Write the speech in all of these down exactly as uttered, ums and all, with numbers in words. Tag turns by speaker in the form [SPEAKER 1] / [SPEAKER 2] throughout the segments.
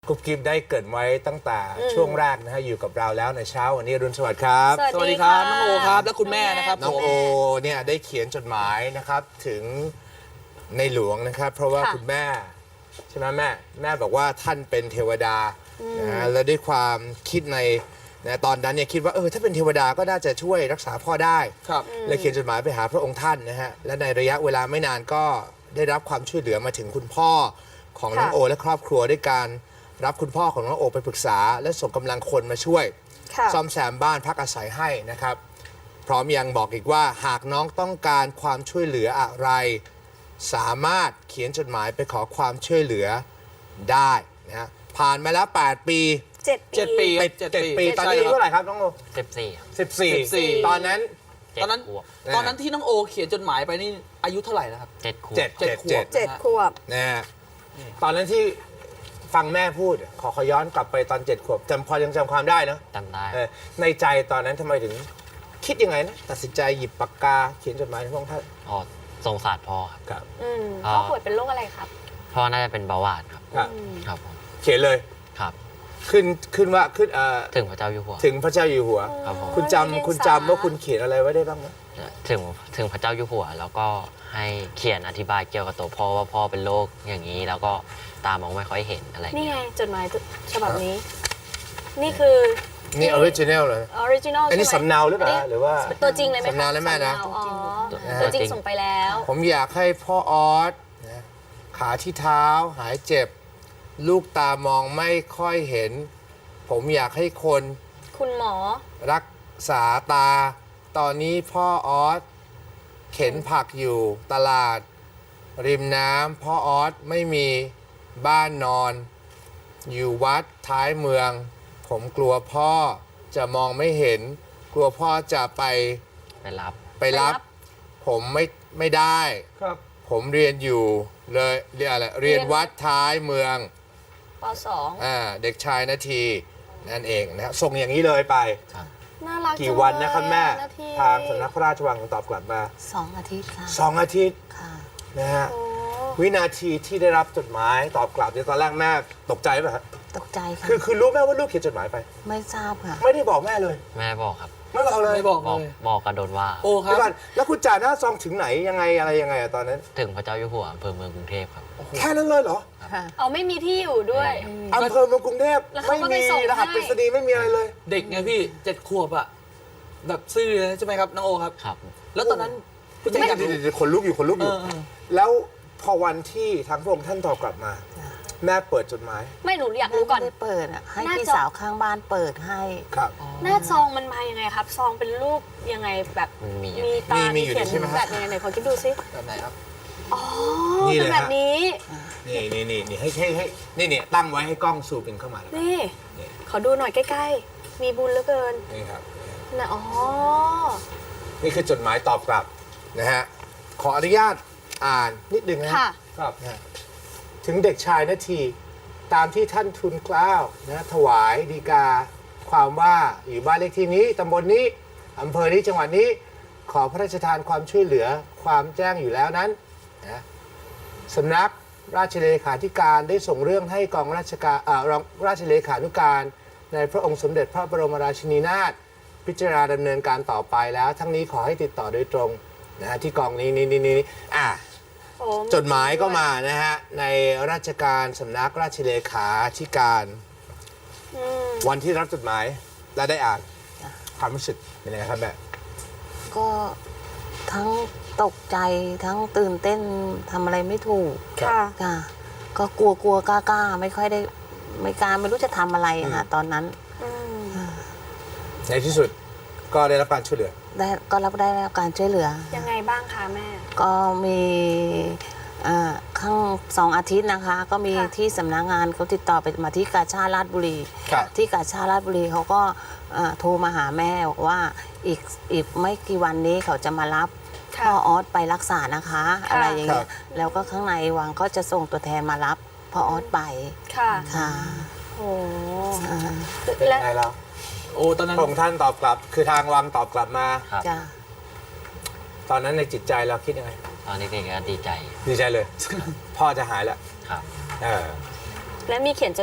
[SPEAKER 1] กุ๊บกิ๊บได้เกิดไว้ตั้งแต่ช่วงแรกนะฮะอยู่กับเราแล้วในเช้าวันนี้อรุณสวัสดิ์ครับ
[SPEAKER 2] สวัสดีครับน้องโอครับและคุณแม่นะครับ
[SPEAKER 1] น้องโอเนี่ยได้เขียนจดหมายนะครับถึงในหลวงนะครับ เพราะว่าคุณแม่ใช่ไหมแม่แม่บอกว่าท่านเป็นเทวดานะและด้วยความคิดในนะตอนนั้นเนี่ยคิดว่าเออถ้าเป็นเทวดาก็น่าจะช่วยรักษาพ่อได้
[SPEAKER 2] ครับ
[SPEAKER 1] เลยเขียนจดหมายไปหาพระองค์ท่านนะฮะและในระยะเวลาไม่นานก็ได้รับความช่วยเหลือมาถึงคุณพ่อของน้องโอและครอบครัวด้วยการรับคุณพ่อของน้องโอไปปรึกษาและส่งกำลังคนมาช่วยซ่อมแซมบ้านพักอาศัยให้นะครับพร้อมยังบอกอีกว่าหากน้องต้องการความช่วยเหลืออะไรสามารถเขียนจดหมายไปขอความช่วยเหลือได้นะฮะผ่านมาแล้วแปดปี
[SPEAKER 2] เจ็ดปี
[SPEAKER 1] ติดเจ็ดปีตอนนี้อายุเท่าไหร่ครับน้องโอ
[SPEAKER 3] สิบสี่
[SPEAKER 1] สิบสี่ตอนนั้น
[SPEAKER 2] ตอนนั้น
[SPEAKER 3] เจ็ดขวบ
[SPEAKER 2] ตอนนั้นที่น้องโอเขียนจดหมายไปนี่อายุเท่าไหร่นะครับ
[SPEAKER 3] เจ็ดขวบ
[SPEAKER 1] เจ็ด
[SPEAKER 2] เจ็ดขวบ
[SPEAKER 4] เจ็ดขวบ
[SPEAKER 1] นะฮะตอนนั้นที่ฟังแม่พูดขอขอย้อนกลับไปตอนเจ็ดขวบจำพอยังจำความได้เนาะ
[SPEAKER 3] จำได้
[SPEAKER 1] เออในใจตอนนั้นทำไมถึงคิดยังไงนะตัดสินใจหยิบปากกาเขียนจดหมายถึงพระองค์ท่าน
[SPEAKER 3] อ๋อสงสารพ่อครับ
[SPEAKER 1] ครับ
[SPEAKER 4] อืม
[SPEAKER 3] อ่า
[SPEAKER 4] พ่อป่วยเป็นโรคอะไรครับ
[SPEAKER 3] พ่อน่าจะเป็นเบาหวานครับ
[SPEAKER 1] ครับ
[SPEAKER 3] ครับผม
[SPEAKER 1] เขียนเลย
[SPEAKER 3] ครับ
[SPEAKER 1] ขึ้นขึ้นว่าขึ้นเอ่อ
[SPEAKER 3] ถึงพระเจ้าอยู่หัว
[SPEAKER 1] ถึงพระเจ้าอยู่หัว
[SPEAKER 3] ครับผม
[SPEAKER 1] คุณจำคุณจำว่าคุณเขียนอะไรไว้ได้บ้างไหม
[SPEAKER 3] ถึงถึงพระเจ้าอยู่หัว แล้วก็ให้เขียนอธิบายเกี่ยวกับตัวพ่อว่าพ่อเป็นโรคอย่างนี้ แล้วก็ตามองไม่ค่อยเห็นอะไร
[SPEAKER 4] นี่
[SPEAKER 3] เงี้ย
[SPEAKER 4] ไงจดหมายฉบับนี้ นี่คือ
[SPEAKER 1] นี่ออริจินัลเลย
[SPEAKER 4] ออริจินอล
[SPEAKER 1] อันนี้
[SPEAKER 4] ใช่ไหม
[SPEAKER 1] สำเนาหรือเปล่าหรือว่า
[SPEAKER 4] ตัวจริงเลยไหมคะ
[SPEAKER 1] สำเนาแล้วแม่นะ
[SPEAKER 4] สำเาอ๋อตัวจริงส่งไปแล้ว
[SPEAKER 1] ผมอยากให้พ่อออสนะขาที่เท้าหายเจ็บ ลูกตามองไม่ค่อยเห็น ผมอยากให้คน
[SPEAKER 4] คุณหมอ
[SPEAKER 1] รักษาตา ตอนนี้พ่อออสเข็นผักอยู่ตลาด ริมน้ำพ่อออสไม่มีบ้านนอน อยู่วัดท้ายเมือง ผมกลัวพ่อจะมองไม่เห็น กลัวพ่อจะไป
[SPEAKER 3] ไปรับ
[SPEAKER 1] ไปรับ
[SPEAKER 4] ไปรับ
[SPEAKER 1] ผมไม่ไม่ได้
[SPEAKER 2] ครับ
[SPEAKER 1] ผมเรียนอยู่เลยเรียนอะไรเรียนวัดท้ายเมือง
[SPEAKER 4] ปสอง
[SPEAKER 1] อ่าเด็กชายนาทีนั่นเองนะครับส่งอย่างนี้เลยไป
[SPEAKER 4] น่ารัก
[SPEAKER 1] กี่วันนะครับแม่
[SPEAKER 4] จังเลยอะนาที
[SPEAKER 1] ทางสำนักพระราชวังตอบกลับมา
[SPEAKER 5] สองอาทิตย์ค่ะ
[SPEAKER 1] สองอาทิตย์
[SPEAKER 5] ค่ะ
[SPEAKER 1] นะฮะ
[SPEAKER 4] โอ้
[SPEAKER 1] วินาทีที่ได้รับจดหมายตอบกลับเนี่ยตอนแรกแม่ตกใจป่ะฮะ
[SPEAKER 5] ตกใจค่ะ
[SPEAKER 1] คือคือรู้แม่ว่าลูกเขียนจดหมายไป
[SPEAKER 5] ไม่ทราบค่ะ
[SPEAKER 1] ไม่ได้บอกแม่เลย
[SPEAKER 3] แม่บอกครับ
[SPEAKER 1] ไม่บอกเลย
[SPEAKER 2] ไม่บอก
[SPEAKER 3] บ
[SPEAKER 2] เล
[SPEAKER 3] อก
[SPEAKER 2] ย
[SPEAKER 3] บอกกระโดนว่า
[SPEAKER 2] โอครั
[SPEAKER 1] เดี๋
[SPEAKER 2] บ
[SPEAKER 1] ยวก่อนแล้วคุณจ่าหน้าซองถึงไหนยังไงอะไรยังไงอะตอนนั้น
[SPEAKER 3] ถึงพระเจ้าอยู่หัวอำเภอเมืองกรุงเทพครับ
[SPEAKER 1] แค่นั้นเลยเหรอ
[SPEAKER 5] ค่ะ
[SPEAKER 4] เอาไม่มีที่อยู่ด้วย
[SPEAKER 1] อำเภอเมืองกรุงเทพ
[SPEAKER 4] แล้วเขา
[SPEAKER 1] ไม่
[SPEAKER 4] ก็ไป
[SPEAKER 1] มี
[SPEAKER 4] ส่ง
[SPEAKER 1] รหัส
[SPEAKER 4] ให้
[SPEAKER 1] ไปรษณีย์ไม่มีอะไรเลย
[SPEAKER 2] เด็กไงพี่เจ็ดขวบอะแบบซื่อเลยใช่ไหมครับน้องโอครับ
[SPEAKER 3] ครับ
[SPEAKER 2] แล้วตอนนั้นผู้จัด
[SPEAKER 1] ไม่
[SPEAKER 2] การ
[SPEAKER 1] เดี๋ยวเดี๋ยวขนลุกอยู่ขนลุกอ
[SPEAKER 2] เอยู่ อเออ
[SPEAKER 1] แล้วพอวันที่ทางพระองค์ท่านตอบกลับมา แม่เปิดจดหมาย
[SPEAKER 4] ไม่หนูอยากรู้ก่อน
[SPEAKER 5] ไม่ได้เปิดอ่ะ ให้
[SPEAKER 4] น่า
[SPEAKER 5] พี่
[SPEAKER 4] จะ
[SPEAKER 5] สาวข้างบ้านเปิดให้
[SPEAKER 1] ครับ
[SPEAKER 4] หน้าซองมันมายังไงครับ ซองเป็นรูปยังไงแบบ
[SPEAKER 3] มันมีอยู่
[SPEAKER 4] มีตา
[SPEAKER 1] มีมี
[SPEAKER 4] มี
[SPEAKER 1] อยู่
[SPEAKER 4] เขียน
[SPEAKER 1] ใช่ไหมฮะ
[SPEAKER 4] แบบยังไงไหนขอคิดดูซิ
[SPEAKER 2] แบบไหนครับ
[SPEAKER 4] อ๋อ
[SPEAKER 1] นี่
[SPEAKER 4] เป็น
[SPEAKER 1] เลย
[SPEAKER 4] แบบ
[SPEAKER 1] ฮะ
[SPEAKER 4] นี้
[SPEAKER 1] นี่นี่นี่นี่ให้ให้ให้นี่นี่ตั้งไว้ให้กล้องซูมเป็นเข้ามาแล้ว
[SPEAKER 4] นี่
[SPEAKER 1] นี่
[SPEAKER 4] ขอดูหน่อยใกล้ๆ มีบุญเหลือเกิน
[SPEAKER 1] นี่ครับ
[SPEAKER 4] นะอ๋อ
[SPEAKER 1] นี่คือจดหมายตอบกลับนะฮะขออนุญาตอ่านนิดนึงนะ
[SPEAKER 4] ค่ะ
[SPEAKER 1] ครับนะถึงเด็กชายนาทีตามที่ท่านทุนเกล้านะถวายดีกาความว่าอยู่บ้านเลขที่นี้ตำบลนี้อำเภอนี้จังหวัดนี้ ขอพระราชทานความช่วยเหลือความแจ้งอยู่แล้วนั้นนะสำนักราชเลขาธิการได้ส่งเรื่องให้กองราชการอ่ารองราชเลขานุการในพระองค์สมเด็จพระบรมราชินีนาถพิจารณาดำเนินการต่อไปแล้ว ทั้งนี้ขอให้ติดต่อโดยตรงนะฮะที่กองนี้นี่นี่นี่อ่ะ
[SPEAKER 4] โอ้
[SPEAKER 1] จดหมายก็มานะฮะในราชการสำนักราชเลขาธิการ
[SPEAKER 4] อืม
[SPEAKER 1] วันที่รับจดหมายและได้อ่านความรู้สึกเป็นยังไงครับแม่
[SPEAKER 5] ก็ทั้งตกใจทั้งตื่นเต้นทำอะไรไม่ถูก
[SPEAKER 4] ค่ะ
[SPEAKER 5] ค่ะ ก็กลัวกลัวกล้ากล้าไม่ค่อยได้ไม่กล้าไม่รู้จะทำอะไรอะค่ะตอนนั้น
[SPEAKER 4] อืม
[SPEAKER 1] ในที่สุดก็ได้รับการช่วยเหลือ
[SPEAKER 5] ได้ก็รับได้รับการช่วยเหลือ
[SPEAKER 4] ยังไงบ้างคะแม่
[SPEAKER 5] ก็มีเอ่อข้างสองอาทิตย์นะคะ ก็มี
[SPEAKER 4] ค่ะ
[SPEAKER 5] ที่สำนักงานเขาติดต่อไปมาที่กาชาดราชบุรี
[SPEAKER 1] ครับ
[SPEAKER 5] ที่กาชาดราชบุรีเขาก็เอ่อโทรมาหาแม่บอกว่าอีกอีกไม่กี่วันนี้เขาจะมารับ
[SPEAKER 4] ค่ะ
[SPEAKER 5] พ่อออสไปรักษานะคะ
[SPEAKER 4] ค่ะ
[SPEAKER 5] อะไรอย่างเงี้
[SPEAKER 1] ครั
[SPEAKER 5] ย
[SPEAKER 1] บ
[SPEAKER 5] แล้วก็ข้างในวังก็จะส่งตัวแทนมารับพ่อออสไป
[SPEAKER 4] ค่ะ
[SPEAKER 5] ค่ะ
[SPEAKER 4] โอ้
[SPEAKER 5] อ่า
[SPEAKER 1] เป็น
[SPEAKER 4] และ
[SPEAKER 1] ยังไงเรา
[SPEAKER 2] โอ้ตอนนั้น
[SPEAKER 1] พระองค์ท่านตอบกลับ คือทางวังตอบกลับมา
[SPEAKER 3] ครับ
[SPEAKER 5] จ้ะ
[SPEAKER 1] ตอนนั้นในจิตใจเราคิดยังไง
[SPEAKER 3] ตอนเด็กๆก็ดีใจ
[SPEAKER 1] ดีใจเลย พ่อจะหายแล้ว
[SPEAKER 3] ครับ
[SPEAKER 1] เออ
[SPEAKER 4] และมีเขียนจดหมาย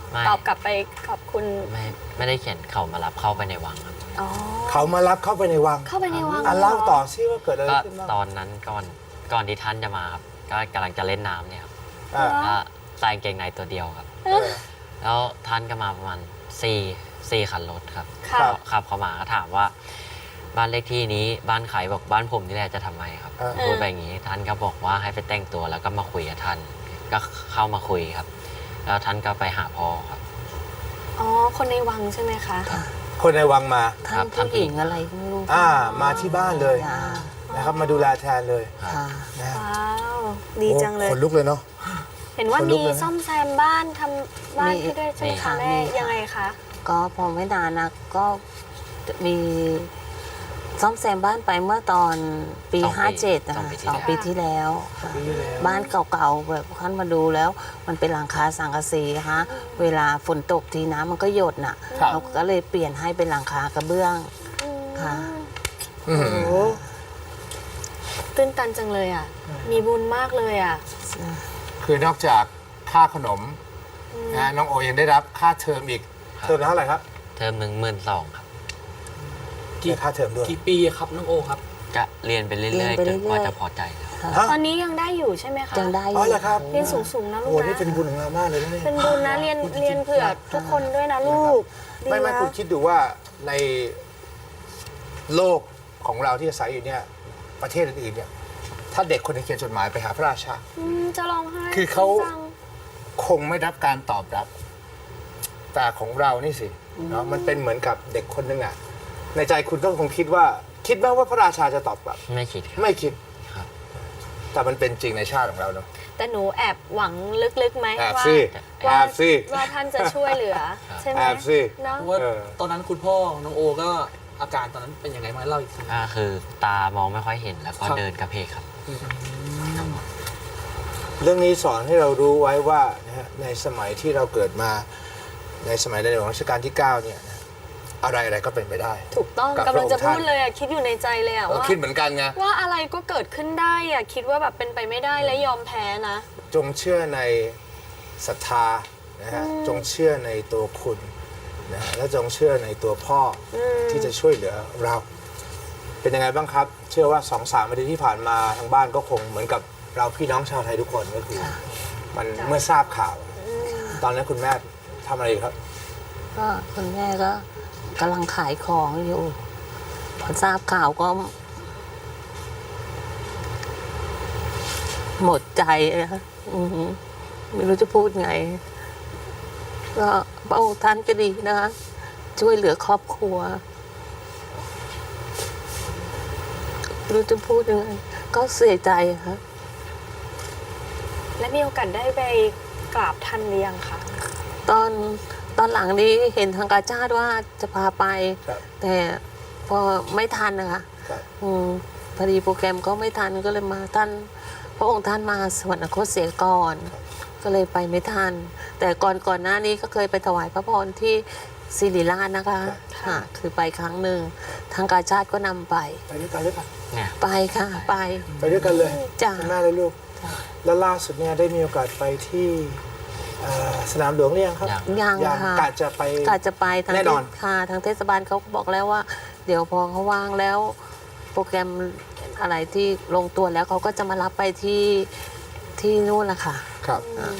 [SPEAKER 3] ไม่
[SPEAKER 4] ตอบกลับไปขอบคุณ
[SPEAKER 3] ไม่ไม่ได้เขียนเขามารับเข้าไปในวังครับ
[SPEAKER 4] อ๋อ
[SPEAKER 1] เขามารับเข้าไปในวัง
[SPEAKER 4] เข้าไปในวัง
[SPEAKER 1] อ่ะ
[SPEAKER 4] หร
[SPEAKER 1] เล่าต่อซิว่าเกิดอะไร
[SPEAKER 3] ก็
[SPEAKER 1] ขึ้นบ้าง
[SPEAKER 3] ตอนนั้นก่อนก่อนที่ท่านจะมาครับก็กำลังจะเล่นน้ำเนี่ยครับ
[SPEAKER 1] อ่า
[SPEAKER 3] ก็ใส่กางเกงในตัวเดียวครับ
[SPEAKER 1] เออ
[SPEAKER 3] แล้วท่านก็มาประมาณสี่สี่คันรถครับ
[SPEAKER 4] ค่ะ
[SPEAKER 3] ก็ขับเข้ามาก็ถามว่า บ้านเลขที่นี้บ้านใครบอกบ้านผมนี่แหละจะทำไมครับ
[SPEAKER 1] เออ
[SPEAKER 3] พูดไปอย่างนี้ท่านก็บอกว่าให้ไปแต่งตัวแล้วก็มาคุยกับท่าน ก็เข้ามาคุยครับ แล้วท่านก็ไปหาพ่อครับ
[SPEAKER 4] อ๋อ คนในวังใช่ไหมคะ
[SPEAKER 1] คนในวังมา
[SPEAKER 5] ท่านผู้หญิงอะไรก็ไม่รู้
[SPEAKER 1] อ่า มาที่บ้านเลย
[SPEAKER 5] จ้า
[SPEAKER 1] นะครับ มาดูแลแทนเลย
[SPEAKER 5] ค่ะ
[SPEAKER 1] นะฮะ
[SPEAKER 4] ว้าว ดีจังเลย
[SPEAKER 1] โอ้ขนลุกเลยเนาะ
[SPEAKER 4] เห็นว่า
[SPEAKER 1] ขนลุ
[SPEAKER 4] มี
[SPEAKER 1] กเลยนะ
[SPEAKER 4] ซ่อมแซมบ้านทำบ้านให้ด้วยใช่ไหม
[SPEAKER 3] มี
[SPEAKER 4] คะ
[SPEAKER 3] ค่ะ
[SPEAKER 4] แม่
[SPEAKER 5] มีค่ะ
[SPEAKER 4] ยังไงคะ
[SPEAKER 5] ก็พอไม่นานนะก็มีซ่อมแซมบ้านไปเมื่อตอนปี
[SPEAKER 3] สองปี
[SPEAKER 5] ห้าเจ็ดนะ
[SPEAKER 3] สอง
[SPEAKER 5] คะ
[SPEAKER 3] ปีที่
[SPEAKER 5] สองปีที่แล้วค่ะ
[SPEAKER 1] ปีที่แล้ว
[SPEAKER 5] บ้านเก่าๆแบบท่านมาดูแล้ว มันเป็นหลังคาสังกะสีฮะเวลาฝนตกทีน้ำมันก็หยดน่ะ
[SPEAKER 1] ครับ
[SPEAKER 5] เราก็เลยเปลี่ยนให้เป็นหลังคากระเบื้อง
[SPEAKER 4] อืม
[SPEAKER 5] ค่ะ
[SPEAKER 1] อืม
[SPEAKER 4] โอ้โหตื้นตันจังเลยอ่ะ มีบุญมากเลยอ่ะ
[SPEAKER 1] คือนอกจากค่าขนมนะฮะน้องโอยังได้รับค่าเทอมอีก
[SPEAKER 3] ครับ
[SPEAKER 1] เทอมละเท่าไหร่ครับ
[SPEAKER 3] เทอมหนึ่งหมื่นสองครับ
[SPEAKER 2] กี่
[SPEAKER 1] ได้ค่าเทอมด้วย
[SPEAKER 2] กี่ปีครับน้องโอครับ
[SPEAKER 3] ก็เรียนไปเรื่
[SPEAKER 5] เรีย
[SPEAKER 3] อย
[SPEAKER 5] นไป
[SPEAKER 3] ๆจนกว่า
[SPEAKER 5] เรื่อยๆ
[SPEAKER 3] จะพอใจแล้ว
[SPEAKER 5] ค่ะ
[SPEAKER 1] ฮะ
[SPEAKER 4] ตอนนี้ยังได้อยู่ใช่ไหมคะ
[SPEAKER 5] ยังได้อ
[SPEAKER 1] อ๋อยู่ เหรอครับ
[SPEAKER 4] เรียนสูงๆนะลู
[SPEAKER 1] โอ้
[SPEAKER 4] ก
[SPEAKER 1] โหนี่
[SPEAKER 4] นะ
[SPEAKER 1] เป็นบุญของเรามากเลยนะเนี่ย
[SPEAKER 4] เป็นบุญนะเรียนเรียนเผื่อทุกคนด้วยนะลูกดี
[SPEAKER 1] ไม่ไม่
[SPEAKER 4] นะ
[SPEAKER 1] คุณคิดดูว่าในโลกของเราที่อาศัยอยู่เนี่ย ประเทศอื่นๆเนี่ย ถ้าเด็กคนหนึงเขียนจดหมายไปหาพระราชา
[SPEAKER 4] อืมจะร้องไห้
[SPEAKER 1] คือเขา
[SPEAKER 4] จัง
[SPEAKER 1] คงไม่รับการตอบรับ แต่ของเรานี่สิเนาะมันเป็นเหมือนกับเด็กคนหนึงอ่ะ ในใจคุณก็คงคิดว่า คิดไหมว่าพระราชาจะตอบกลับ
[SPEAKER 3] ไม่คิดครับ
[SPEAKER 1] ไม่คิด
[SPEAKER 3] ครับ
[SPEAKER 1] แต่มันเป็นจริงในชาติของเราเนาะ
[SPEAKER 4] แต่หนูแอบหวังลึกๆไหม
[SPEAKER 1] แอบ
[SPEAKER 4] ว่า
[SPEAKER 1] สิแอ
[SPEAKER 4] ว่า
[SPEAKER 1] บสิ
[SPEAKER 4] ว่าท่านจะช่วยเหลือ ใช่ไหม
[SPEAKER 1] แอบสิ
[SPEAKER 4] เนาะ
[SPEAKER 2] เพราะว่า
[SPEAKER 1] เออ
[SPEAKER 2] ตอนนั้นคุณพ่อน้องโอก็อาการตอนนั้นเป็นยังไงมาเล่าอีกที
[SPEAKER 3] ก็คือตามองไม่ค่อยเห็นแล้วก็
[SPEAKER 2] ครับ
[SPEAKER 3] เดินกระเพกครับ
[SPEAKER 1] เรื่องนี้สอนให้เรารู้ไว้ว่านะฮะในสมัยที่เราเกิดมา ในสมัยในหลวงรัชกาลที่เก้าเนี่ยนะอะไรอะไรก็เป็นไปได้
[SPEAKER 4] ถูกต้อง
[SPEAKER 1] กับ
[SPEAKER 4] กำลังจะ
[SPEAKER 1] พระองค์
[SPEAKER 4] พูด
[SPEAKER 1] ท่าน
[SPEAKER 4] เลยอ่ะคิดอยู่ในใจเลยอ่ะ
[SPEAKER 1] เรา
[SPEAKER 4] ว่า
[SPEAKER 1] คิดเหมือนกันไง
[SPEAKER 4] ว่าอะไรก็เกิดขึ้นได้อ่ะคิดว่าแบบเป็นไปไม่ได้และยอมแพ้นะ
[SPEAKER 1] จงเชื่อในศรัทธานะฮะ
[SPEAKER 4] อืม
[SPEAKER 1] จงเชื่อในตัวคุณนะฮะและจงเชื่อในตัวพ่ออ
[SPEAKER 4] ม
[SPEAKER 1] ที่จะช่วยเหลือเรา เป็นยังไงบ้างครับ เชื่อว่าสองสามนาทีที่ผ่านมาทางบ้านก็คงเหมือนกับเราพี่น้องชาวไทยทุกคนก็คือมันเมื่อทราบข่าว ตอนนั้นคุณแม่ทำอะไรอยู่ครับ
[SPEAKER 5] ก็คุณแม่ก็กำลังขายของอยู่ พอทราบข่าวก็ หมดใจนะอือหือไม่รู้จะพูดไง ก็พระองค์ท่านก็ดีนะคะ ช่วยเหลือครอบครัวไม่รู้จะพูดยังไง ก็เสียใจค่ะ
[SPEAKER 4] และมีโอกาสได้ไปกราบท่านหรือยังคะ
[SPEAKER 5] ตอนตอนหลังนี้เห็นทางการชาติว่าจะพาไป
[SPEAKER 1] ครับ
[SPEAKER 5] แต่พอไม่ทันนะคะ
[SPEAKER 1] ครับ
[SPEAKER 5] อืมพอดีโปรแกรมก็ไม่ทันก็เลยมาท่านพระองค์ท่านมาสวรรคตเสียก่อน ก็เลยไปไม่ทัน แต่ก่อนก่อนหน้านี้ก็เคยไปถวายพระพรที่ศิริราชนะคะค่ะคือไปครั้งหนึ่งทางการชาติก็นำไป
[SPEAKER 1] ไปด้วยกันเลยป่ะ
[SPEAKER 3] เนี่ย
[SPEAKER 5] ไปค่ะไป
[SPEAKER 1] ไปด้วยกันเลย
[SPEAKER 5] จ้ะ
[SPEAKER 1] คุณแม่และลูก แล้วล่าสุดเนี่ยได้มีโอกาสไปที่เอ่อสนามหลวงหรือยังครับ
[SPEAKER 3] ยัง
[SPEAKER 5] ยัง
[SPEAKER 1] ยัง
[SPEAKER 5] ค่ะ
[SPEAKER 1] กะจะไป
[SPEAKER 5] กาจะไปทาง
[SPEAKER 1] แน่นอน
[SPEAKER 5] เทศค่ะทางเทศบาลเขาก็บอกแล้วว่า เดี๋ยวพอเขาว่างแล้ว โปรแกรมอะไรที่ลงตัวแล้วเขาก็จะมารับไปที่ที่นู่นแหละค่ะ
[SPEAKER 1] ครับ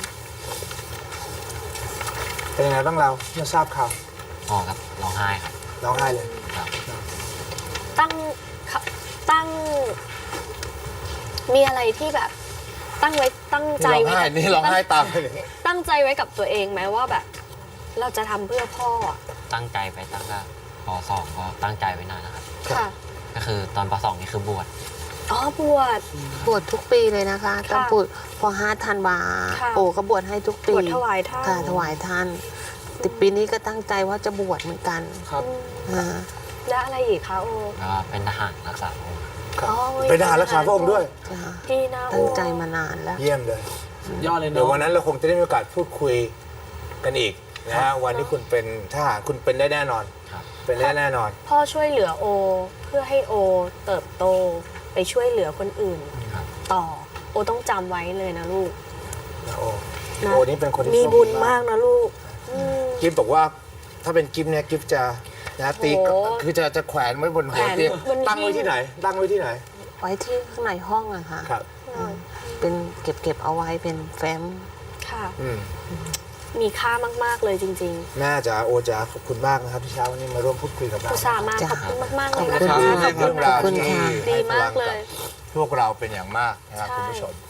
[SPEAKER 1] เป็นยังไงบ้างเราเมื่อทราบข่าว
[SPEAKER 3] พ่อครับร้องไห้ครับ
[SPEAKER 1] ร้องไห้เลย
[SPEAKER 3] ครับ
[SPEAKER 4] ตั้งค่ะตั้ง มีอะไรที่แบบ ตั้งไว้ตั้งใจ
[SPEAKER 1] ร้อง
[SPEAKER 4] ไว้
[SPEAKER 1] ไห้
[SPEAKER 4] กับ
[SPEAKER 1] นี่ร้องไห้ตามไปเลย
[SPEAKER 4] ตั้งใจไว้กับตัวเองไหมว่าแบบ เราจะทำเพื่อพ่ออะ
[SPEAKER 3] ตั้งใจไปตั้งแต่ปสองก็ตั้งใจไว้นานนะครับ
[SPEAKER 4] ค่ะ
[SPEAKER 3] ก็คือตอนปสองนี่คือบวช
[SPEAKER 4] อ๋อบวช
[SPEAKER 5] บวชทุกปีเลยนะคะตั้งบวชพอห้าธันวา
[SPEAKER 4] ค่ะ
[SPEAKER 5] โอ้ก็บวชให้ทุก
[SPEAKER 4] บ
[SPEAKER 5] ปี
[SPEAKER 4] วชถวายท่าน
[SPEAKER 5] ค่ะถวายท่านแต่ปีนี้ก็ตั้งใจว่าจะบวชเหมือนกัน
[SPEAKER 2] ครับ
[SPEAKER 5] อ่า
[SPEAKER 4] และอะไรอีกคะโอ
[SPEAKER 3] แล้วก็เป็นทหารรักษาพระองค์
[SPEAKER 1] ครับ
[SPEAKER 4] อ๋อ
[SPEAKER 1] เป็นทหารรักษาพระองค์ด้วย
[SPEAKER 5] จ้ะ
[SPEAKER 4] ดีนะโอ
[SPEAKER 5] ตั้งใจมานานแล้ว
[SPEAKER 1] เยี่ยมเลย
[SPEAKER 2] ยอดเลย
[SPEAKER 1] เดี๋ยว
[SPEAKER 2] เนาะ
[SPEAKER 1] วันนั้นเราคงจะได้มีโอกาสพูดคุยกันอีกนะฮะวันที่คุณเป็นทหารคุณเป็นได้แน่นอน
[SPEAKER 3] ครับ
[SPEAKER 1] เป็นได้แน่นอน
[SPEAKER 4] พ่อช่วยเหลือโอ เพื่อให้โอเติบโตไปช่วยเหลือคนอื่น
[SPEAKER 3] ครับ
[SPEAKER 4] ต่อโอต้องจำไว้เลยนะลูก
[SPEAKER 1] นะโอ้
[SPEAKER 4] นะ
[SPEAKER 1] โอ้นี่เป็นคนที่
[SPEAKER 4] มี
[SPEAKER 1] โชคดี
[SPEAKER 4] บุญมากนะลูกอืม
[SPEAKER 1] กิฟบอกว่าถ้าเป็นกิฟเนี่ยกิฟจะนะตี
[SPEAKER 4] โห
[SPEAKER 1] คือจะจะแขวนไว้บนหัว
[SPEAKER 4] แขวน
[SPEAKER 1] เตียง
[SPEAKER 4] บนหิ้ง
[SPEAKER 1] ตั้งไว้ที่ไหน ตั้งไว้ที่ไหน
[SPEAKER 5] ไว้ที่ข้างในห้องอะค่ะ
[SPEAKER 1] ครับ
[SPEAKER 5] เป็นเก็บเก็บเอาไว้เป็นแฟ้ม
[SPEAKER 4] ค่ะ
[SPEAKER 1] อืม
[SPEAKER 4] มีค่ามากๆเลยจริง
[SPEAKER 1] แม่จ๋าโอจ๋าขอบคุณมากนะครับที่เช้าวันนี้มาร่วมพูดคุยกับ
[SPEAKER 4] ๆ
[SPEAKER 1] เรา
[SPEAKER 4] อุตส่าห์มา
[SPEAKER 5] จ้ะ
[SPEAKER 4] ขอบคุณมากๆเลย
[SPEAKER 5] ขอบ
[SPEAKER 4] นะ
[SPEAKER 5] คุณ
[SPEAKER 4] คะ
[SPEAKER 5] ค่ะ
[SPEAKER 4] ขอบคุณ
[SPEAKER 1] เรื่องราว
[SPEAKER 4] นะ
[SPEAKER 1] ที่
[SPEAKER 5] ค่ะ
[SPEAKER 4] ดี
[SPEAKER 1] ให้พ
[SPEAKER 4] มา
[SPEAKER 1] ลั
[SPEAKER 4] ก
[SPEAKER 1] ง
[SPEAKER 4] เล
[SPEAKER 1] กับ
[SPEAKER 4] ย
[SPEAKER 1] พวกเราเป็นอย่างมากนะครับ
[SPEAKER 4] ใช่
[SPEAKER 1] คุณผู้ชม